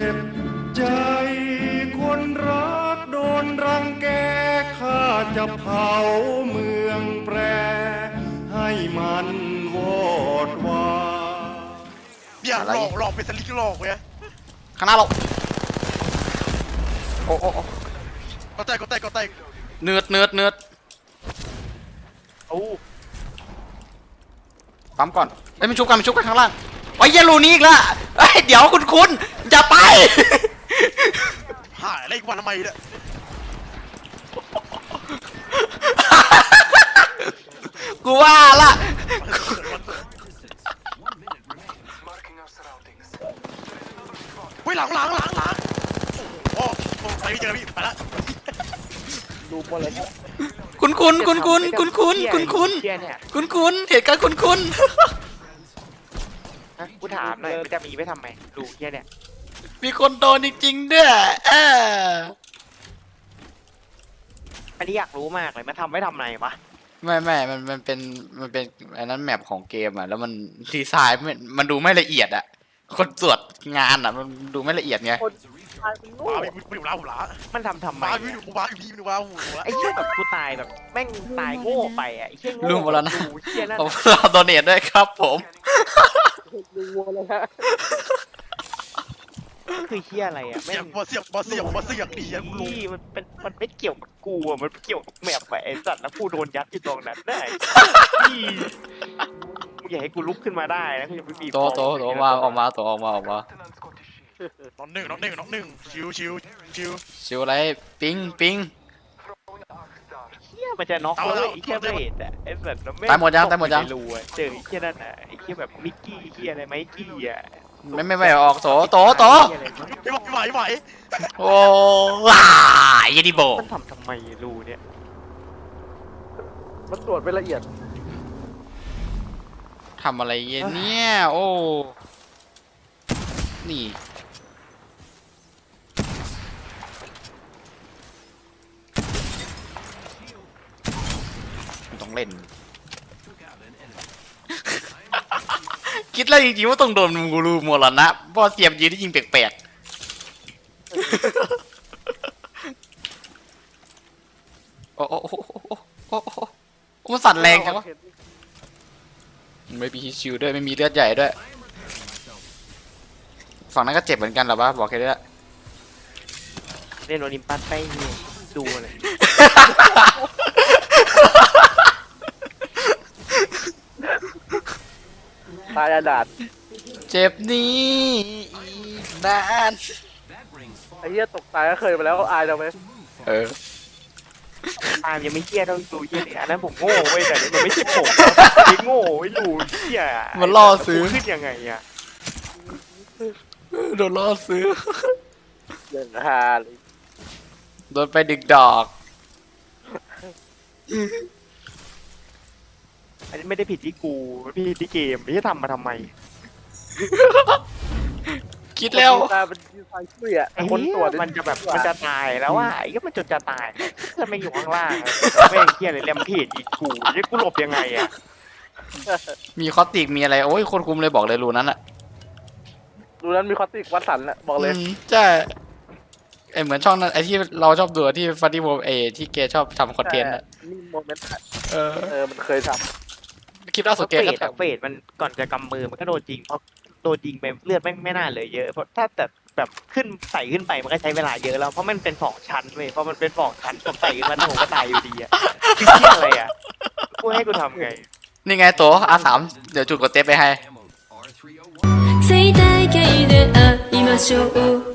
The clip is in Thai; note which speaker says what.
Speaker 1: ใจคนรักโดนรังแกข้าจะเผาเมืองแปรให้มันวอดวาย
Speaker 2: อย่าหลอกเป็นสลิกหลอกเว้ย
Speaker 3: ข้างหน้าเราโอ้
Speaker 2: ก็แตก
Speaker 3: เนือด
Speaker 2: โอ้
Speaker 3: ปั๊มก่อนไม่ชุบกันข้างล่างไอ้เยลูนี่อีกละเดี๋ยวคุณอย่าไป
Speaker 2: หายอะไรกันทำไมเนี่ย
Speaker 3: กูว่าละ
Speaker 2: เฮ้ยหลังโอ้ไปเจอพี่ไปละ
Speaker 4: ดูหมดเลย
Speaker 3: คุณเหตุการณ์คุณ
Speaker 4: กูถามหน่อยมันจะมีไว้ทำไมดูเฮียเนี่ย
Speaker 3: มีคนโดนจริงๆด้วย
Speaker 4: อันนี้อยากรู้มากเลยมันทำไว้ทำไมวะ
Speaker 3: ไม่มันเป็นอันนั้นแมปของเกมอ่ะแล้วมันดีไซน์มันดูไม่ละเอียดอ่ะคนตรวจงานอ่ะมันดูไม่ละเอียดไง
Speaker 4: มันทำไม
Speaker 2: ไ
Speaker 4: อ้เหี้ยแบบกูตายแบบแม่งตายโง่ไปอ่ะไอ้เหี้ยโง่
Speaker 3: ลืมหมดแล้วนะเราโดเนทด้วยครับผม
Speaker 4: ลืมหมดแล้วฮะคือเหี้ยอะไรอ่ะ
Speaker 2: เสียงดีอ่ะ
Speaker 4: นี่มันไม่เกี่ยวกับกูอ่ะมันเกี่ยวกับแมปไอ้สัตว์แล้วกูโดนยัดอยู่ตรงนั้นได้มึงอย่าให้กูลุกขึ้นมาได้นะกูจะไม่มี
Speaker 3: โตมาออกมา
Speaker 2: น้องหนึ่งชิว
Speaker 3: อะไรปิง
Speaker 4: เฮียมันจะน็อกเลยไอ้เฮียเบรดอ่ะไอ้สัตว์
Speaker 3: ตายหมดยัง
Speaker 4: รู้อ่ะเจอไอ้เฮียนั่นอ่ะไอ้เฮียแบบมิกกี้เฮียอะไรไมกี้อ่ะ
Speaker 3: ไม่ออกโต
Speaker 2: ไหว
Speaker 3: โอ้ว้าเยดิโบ
Speaker 4: มันทำไมรู้เนี่ย
Speaker 5: มันตรวจไปละเอียด
Speaker 3: ทำอะไรเนี่ยโอ้นี่ต้องเล่นคิดแล้วจริงๆว่าต้องโดนมูรูหมดแล้วนะเพราะเสียมยืนที่ยิงแปลกๆโอ้มันสั่นแรงจังวะไม่มีชิวด้วยไม่มีเลือดใหญ่ด้วยฝั่งนั้นก็เจ็บเหมือนกันหรอวะบอกแค่นี้แหละ
Speaker 4: เล่นโอลิมปัสไปนี่ดูเลย
Speaker 5: ตายดาด
Speaker 3: เจ็บนี้อีกนาน
Speaker 5: ไอ้เหี้ยตกตายก็เคยมาแล้วอายเราไหม
Speaker 4: ตามยังไม่เหี้ยต้องดูเหี้ยอันนั้นผมโง่เว้ยแต่มันไม่ใช่ผมไม่โง่ไม่รู้เหี้ย
Speaker 3: มันล่อซื้อ
Speaker 4: ขึ้นยังไงอ่ะ
Speaker 3: โดนล่อซื้อ
Speaker 5: เดินฮาเลย
Speaker 3: โดนไปดึกดอก
Speaker 4: อันนี้ไม่ได้ผิดที่กูผิดที่เกมไม่ใช่ทำมาทำไม
Speaker 3: คิดแล้ว
Speaker 5: ตาเป็นไฟเสีย
Speaker 4: คนตรวจมันจะแบบมันจะตายแล้วว่าไอ้ก็มันจะตายจะไม่อยู่ข้างล่างไม่เหี้ยเลยแรมเพจอีกกูจะกูหลบยังไงอ่ะ
Speaker 3: มีคอติกมีอะไรโอ้ยคนคุมเลยบอกเลยรูนั้นอะ
Speaker 5: รูนั้นมีคอติกวัดสันแหละบอกเลย
Speaker 3: ใช่เหมือนช่องนั้นไอที่เราชอบดูที่ฟันดี้โมที่เกชอบทำคอนเทนต์อะ
Speaker 5: นี่โมเมนต์มันเคยทำ
Speaker 3: คลิปล่าสุดเกก็
Speaker 4: เฟดมันก่อนจะกำมือมันก็โดนจริงเพราะโดนยิงไปเลือดไม่น่าเลยเยอะเพราะถ้าแต่แบบขึ้นใส่ขึ้นไปมันก็ใช้เวลาเยอะแล้วเพราะมันเป็น2 ชั้นเว้ยเพราะมันเป็น2 ชั้นผมใส่ขึ้นมาผมก็ตายอยู่ดีอ่ะคือเชี่ยอะไรอ่ะกูให้กูทำไง
Speaker 3: นี่ไงตัวR3เดี๋ยวจุดกดเทปไปให้